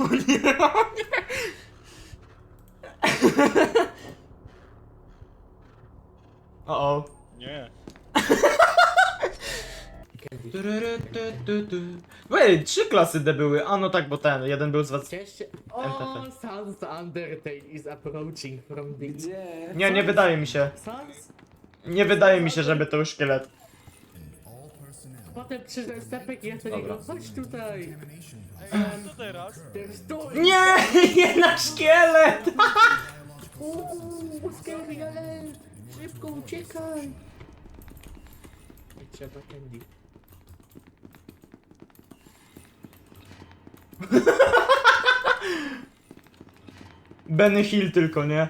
O nie, o nie. O. Nie. Ej, 3 klasy D były. A no tak, bo ten, jeden był z was. Cześć. MTF. Oh, Sans Undertale is approaching from the... Gdzie? Nie wydaje mi się. Sans? Nie wydaje mi się, żeby to był szkielet. Potem przyszedł stepek i ja do Dobra. niego, chodź tutaj. Co teraz? Stój! Nie, jednak szkielet! Uuu, scary alert! Szybko uciekaj! I trzeba candy. Benny Hill tylko, nie?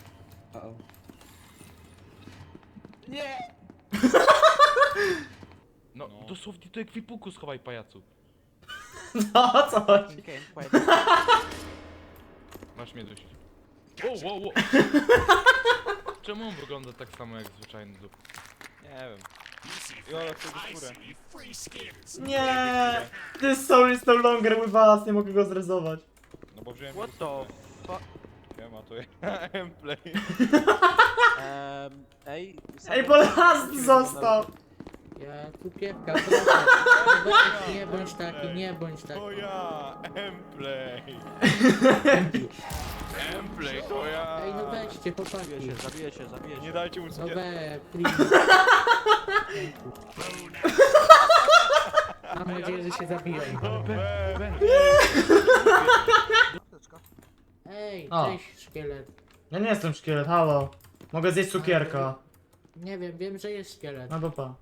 No, dosłownie do ekwipunku schowaj, pajacu. No, o co chodzi? Masz mnie dość. Wow. Czemu on wygląda tak samo jak zwyczajny zup? Nie wiem. Jola, chcę skórę. Nie! This soul is no longer with us, nie mogę go zrezować. No bo wziąłem... What the fuck? Ja ma to ja gameplay. Ej, Ej, bo last został! Ja cukierka, proszę. Nie bądź taki, nie bądź taki. To ja, gameplay. Gameplay, to ja. Ej, no weźcie, chłopaki. Zabiję się. Nie dajcie mu No cukierki. please. Mam nadzieję, że się zabiją. Ej, O. cześć szkielet. Ja nie jestem szkielet, halo. Mogę zjeść cukierka. Nie wiem, że jest szkielet. No to pa.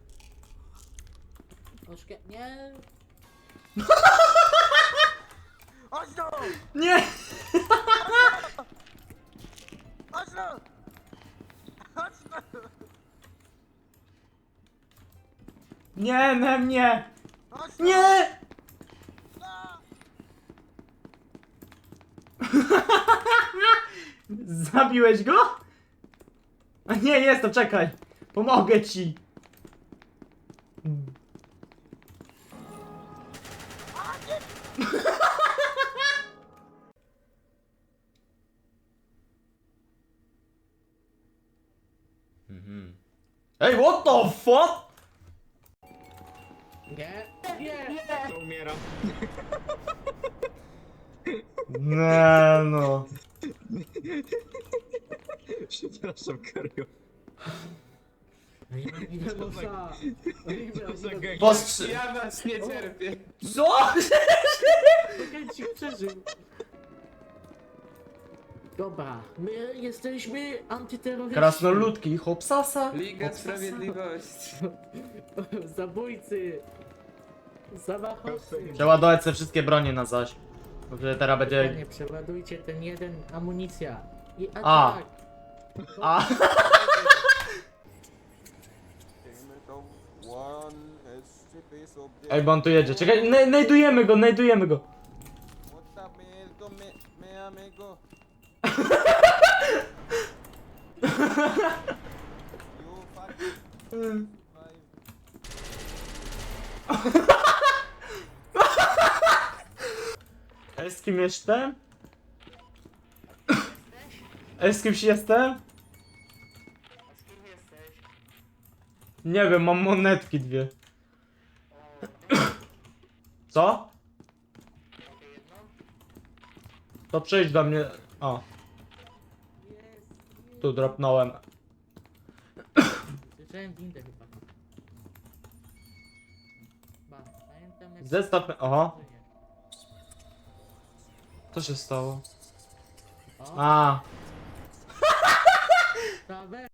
O nie. Nie! Nie, nie, nie! Nie! Zabiłeś go? A nie, jest to, czekaj. Pomogę ci. Ej, what the fuck? Nie. Nie. Umieram. Nie no. Przepraszam, Kario. Postrzy... Ja was nie cierpię. Co? Chęci przeżył. Dobra, my jesteśmy antyterroryści. Krasnoludki, hopsasa. Liga Sprawiedliwości. Zabójcy. Zamachowcy. Przeładować te wszystkie bronie na zaś. Bo wtedy teraz będzie... Nie przeładujcie ten jeden amunicja. I A. atak. A. Ej, bo on tu jedzie. Czekaj, najdujemy go. Ej, z kim jestem? Ej, z kimś jestem? Nie wiem, mam monetki dwie. Co? To przyjdź do mnie. O, tu dropnąłem. Słyszałem windę chyba. Pamiętam jak... Zestaw. Oho, co się stało? O, A, prawe.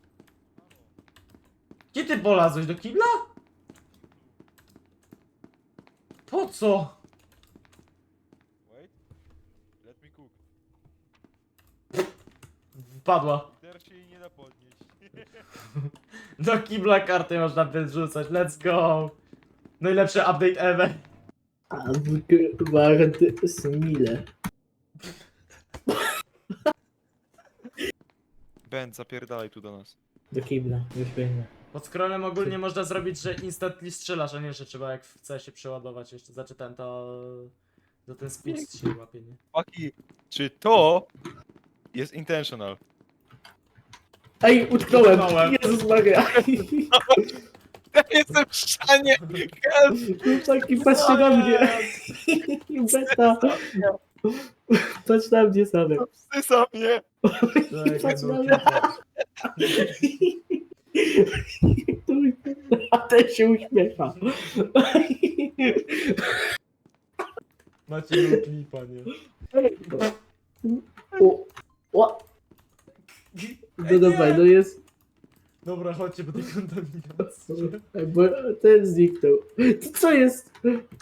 gdzie ty polazłeś do kibla? Po co? Wait. Let me cook. Wpadła. Teraz się jej nie da podnieść. Do kibla karty można wyrzucać. Let's go. Najlepszy update ever. Warty smile. Ben, zapierdalaj tu do nas. Do kibla, już biegnę. Pod scrollem ogólnie można zrobić, że instantly strzelasz, a nie, że trzeba jak w CS się przeładować jeszcze. Znaczy ten to... Za ten spust się łapie, nie? Chłopaki, czy to jest intentional? Ej, utknąłem! Utknąłem. Jezus Maria! Ja jestem w ścianie! Help! Chłopaki, patrzcie na mnie! Beta! Patrz na mnie same! Wsysa mnie! Patrz na no, mnie! A ten się uśmiecha. Macie no klipa, nie? O! No dobra, no jest... Dobra, chodźcie po tej kontaminacji. Bo ten zniknął. To co jest?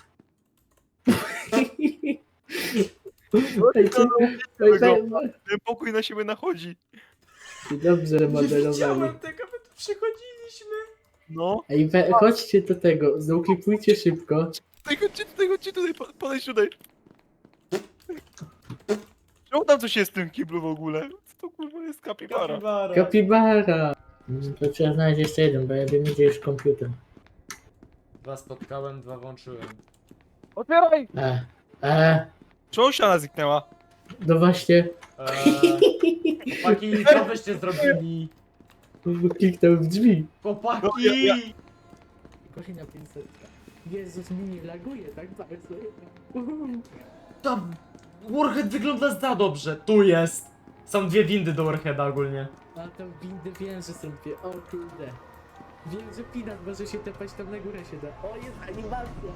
Ten pokój na siebie nachodzi. Dobrze Nie modelowali. widziałem tego, my tu przychodziliśmy. No. Ej, chodźcie do tego, zauklipujcie szybko. Chodźcie tutaj, podejdź tutaj. Czemu tam coś jest w tym kiblu w ogóle? Co to kurwa jest kapibara? Kapibara. Kapibara! To trzeba znaleźć jeszcze jeden, bo ja wiem gdzie jest komputer. 2 spotkałem, 2 włączyłem. Otwieraj! Czemu ściana zniknęła? No właśnie, Chłopaki, co byście zrobili? kliknąłem w drzwi. Chłopaki! No, ja- Godzina 500. Jezus, mi nie laguje tak bardzo. Tam Warhead wygląda za dobrze. Tu jest. Są 2 windy do Warheada ogólnie. A tam windy wiem, że są dwie, o kurde. Wiem, że Pinat może się tepać, tam na górę się da. O, jest animacja!